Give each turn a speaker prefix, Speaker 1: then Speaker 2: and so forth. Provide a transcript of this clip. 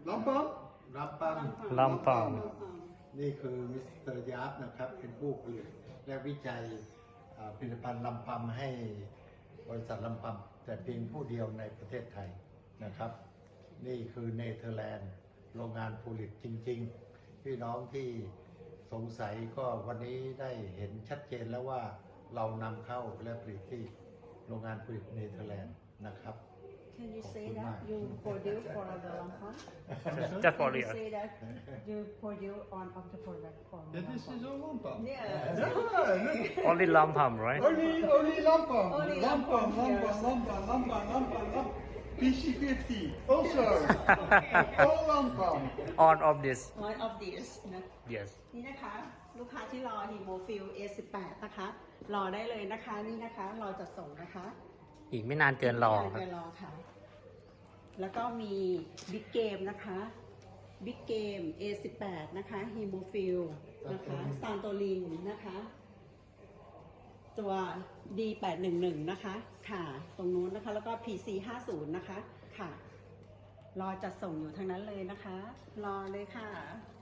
Speaker 1: ลำปัม
Speaker 2: ลำปาง
Speaker 1: นี่คือมิสเตอร์ยาร์ฟนะครับเป็นผู้ผลิตและวิจัยผลิตภัณฑ์ลำปัมให้บริษัทลำปัมแต่เพียงผู้เดียวในประเทศไทยนะครับ นี่คือเนเธอร์แลนด์โรงงานผลิตจริงๆ พี่น้องที่สงสัยก็วันนี้ได้เห็นชัดเจนแล้วว่าเรานำเข้าและผลิตที่โรงงานผลิตเนเธอร์แลนด์นะครับ
Speaker 3: Can you say that you produce for the Lampang?
Speaker 2: Just for
Speaker 3: Can you
Speaker 2: real.
Speaker 3: say that you produce on of the product for
Speaker 1: Yeah, this is all Lampam.
Speaker 3: Yeah.
Speaker 2: Only Lampam, right?
Speaker 1: Only Lampam.
Speaker 3: Only
Speaker 1: Lampam,
Speaker 3: Lampam,
Speaker 1: Lampam. PC50 also. All Lampam.
Speaker 2: All of this.
Speaker 3: One of these นะ
Speaker 2: Yes.
Speaker 3: นี่นะคะลูกค้าที่รอฮีโมฟิล A18 นะคะรอได้เลยนะคะนี่นะคะเราจะส่งนะคะ
Speaker 2: อีกไม่นานเกินรอ
Speaker 3: ไม่นานเกินรอค่ะ แล้วก็มีบิ๊กเกมนะคะบิ๊กเกม A18 นะคะฮีโมฟิลนะคะซานโตลินนะคะตัว D811 นะคะค่ะตรงนู้นนะคะแล้วก็ PC50 นะคะค่ะรอจัดส่งอยู่ทางนั้นเลยนะคะรอเลยค่ะ